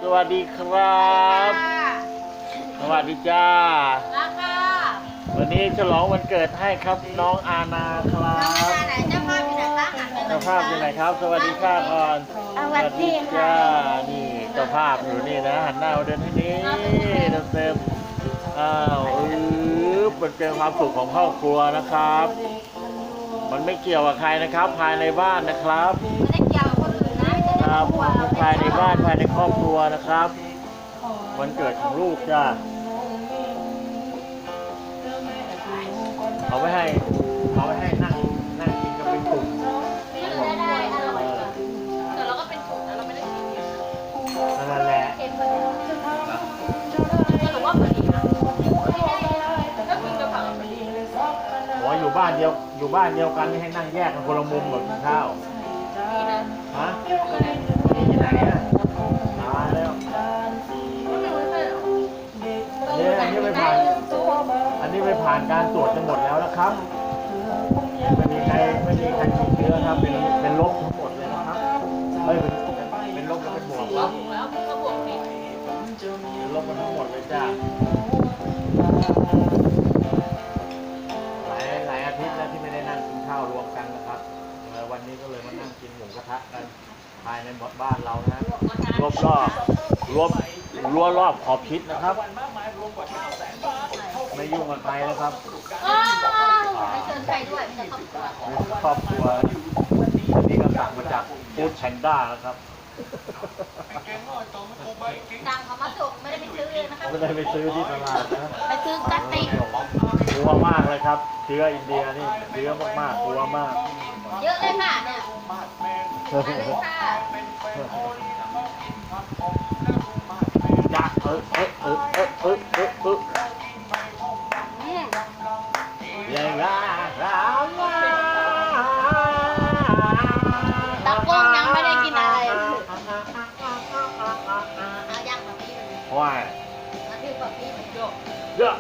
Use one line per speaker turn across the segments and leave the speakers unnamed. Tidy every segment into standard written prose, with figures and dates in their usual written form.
วัสดีครับสวัสดีจ้าวันนี้ฉลองวันเกิดให้ครับน้องอาณาครับเจ้าภาพอยู่ไหนครับสวัสดีค่ะก่อน
สวัสดี
จ้านี่เจ้าภาพอยู่นี่นะหันหน้ามาเดินที่นี้เต็มมันเป็นความสุขของครอบครัวนะครับมันไม่เกี่ยวกับใครนะครับภายในบ้านนะครับ
ไม่ได้เกี่ยวกับคนอื่นนะครับ
ภายในบ้านภายในครอบครัวนะครับวันเกิดของลูกจ้าเอาไว้ให้นั่งกินกันเป็นกลุ่ม
ได้แต่เราก็เป็นกลุ่มนะเราไม่ได้กินเยอะ
นั่นแหละ
สรุปว่าพอดีนะก็กินกระเพราพอดี
หัวอยู่บ้านเดียวกันให้นั่งแยกกันคนละมุมแบบกินข้าวฮะที่ไหนอ่ะมาแล้วเนี่ยอันนี้ไปผ่านการตรวจจนหมดแล้วนะครับไม่มีใครติดเชื้อครับเป็นลบทั้งหมดเลยนะครับเป็นลบแล้วเป็นบวกครับ
แล้วก็บวกนิด
เป็นลบกันทั้งหมดเลยจ้าหลายอาทิตย์แล้วที่ไม่ได้นั่งกินข้าวรวมกันนะครับวันนี้ก็เลยมานั่งกินหมูกระทะกันภายในบ้านเรานะรวอบขอบชิดนะครับไม่ยุ่งกับใครนะครับ
ไม่เชิญใครด้วยจะ
ครอบครัวนี่ก็สั่งมาจากฟู้ดแพนด้านะครับ
สั่งเขามาส่งไม่ได้ไปซื้อเองนะครับ
ไม่ได้ไปซื้อที่ตลาดนะ
ไปซื้อกระติก
กลัวมากเลยครับเชื้ออินเดียนี่เชื้อมากกลัวมาก
เยอะเลยค่ะเนี่ยเลยค่ะ
จักยังไง
ตะก้งยังไม่ได้กินอะไรเอายังแบบนี้เลย
ว้าย
มาที่แบบนี้มันโยก
เดี๋ยว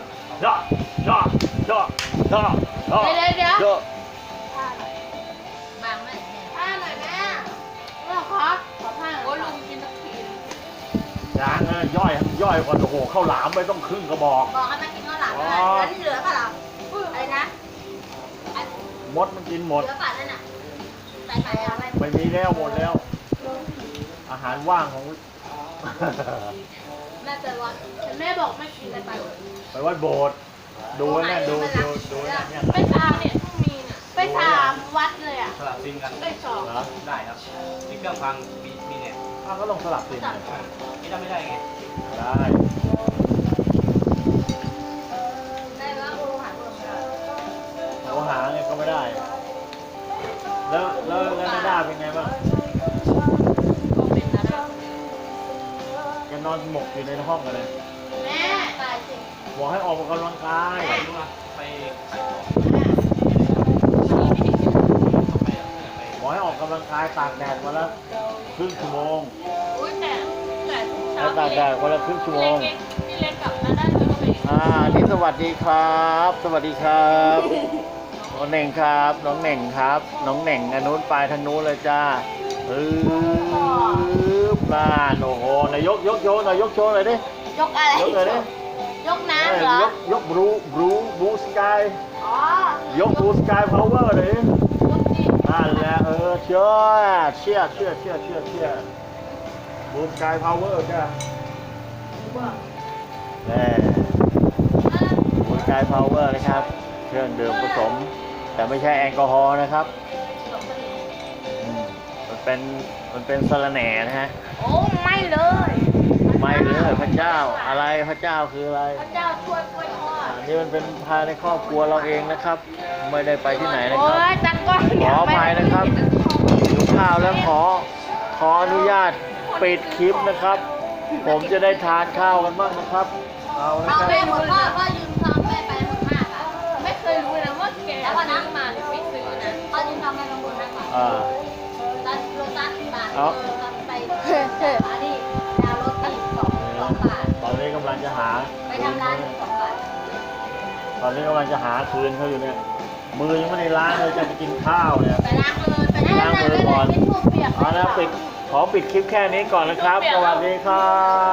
บางไหมผ้าหน่อยแม่เราขอผ้าโอ้ลุงกินสักที
ยังย่อยก่อนโอ้โหข้าวหลามไม่ต้องครึ่งกระบอก
ให้มากินข้าวหลามเลยแล้วที่เหลือเปล่าอะไรนะ
มดมันกินหมด
เหลือป่ะนั่นน่ะใส่อะไร
ไม่มีแล้วหมดแล้วอาหารว่างของ
แม่ไปวัดแม่บอกไม่กินอะไร
ไปวัดโบสถ์ดูเนี่ยดูเนี่ย
ไปตามเนี่ยมีเนี่ยไปตามวัดเลยอ่ะ
สลับซิมกัน
ได้สอง
ได้ครับมีเครื่องฟังมีเนี่ย
ก็ลงสลับซิม
ไม่ได้ไง
ได้
แล้ว
โทรหาเนี่ยก็ไม่ได้แล้วไม่ได้เป็นไงบ้างแกนอนหมกอยู่ในห้องกันเลย
แม่ตายสิ
บอกให้ออกกำลังกาย
ไป
บอกให้ออกกำลังกายตากแดดมาแล้วครึ่งชั่วโมง
แต่
ตากแดดวันละครึ่งชั่วโมง
พี่เล็กกลับมาได้แล้วก็ไป
นี่สวัสดีครับน้องเหน่งครับน้องเหน่งครับน้องเหน่งอันนู้นไปทางนู้นเลยจ้าบ้านโอ้โหนายยกโชว์หน่อยยกโชว์เลยดิ
ยกอะไร
ยกเลยดิ
ยกน้ำเหรอย
กบลูสกายยกบลูสกายพาวเวอร์เลยนั่นแหละเชื่อบลูสกายพาวเวอร์จ้าแน่บลูสกายพาวเวอร์นะครับเครื่องดื่มผสมแต่ไม่ใช่แอลกอฮอล์นะครับมันเป็นสารแหน่นะฮะ
โอ้ไม่เลย
พระเจ้าอะไรพระเจ้าคืออะไร
พระเจ้าช่วยกล้วยทอด
นี่มันเป็นภายในครอบครัวเราเองนะครับไม่ได้ไปที่ไหนนะครับขออภัยนะครับดูข้าวแล้วขออนุญาตปิดคลิปนะครับ ผมจะได้ทานข้าวกันบ้างนะครับ
เอาไปหมดพ่อยืมทองแม่ไปหมดมากอ่ะไม่เคยรู้นะว่าแกแล้ววันนั้นมาไม่ซื้อนะพ่อยืมทองแม่บางคนนะตัดโลตัสบาทไปอันนี้ดาวรถตี2 บาท
ตอนนี้กำลังจะหา
ไปทำร้าน2 บาท
ตอนนี้กำลังจะหาคืนเขาอยู่เนี่ยมือยังไม่ได้ล้างเลยจะไปกินข้าวเนี่ย
ไปล้างมือก่อน
เอาละปิดขขอปิดคลิปแค่นี้ก่อนนะครับ สวัสดีครับ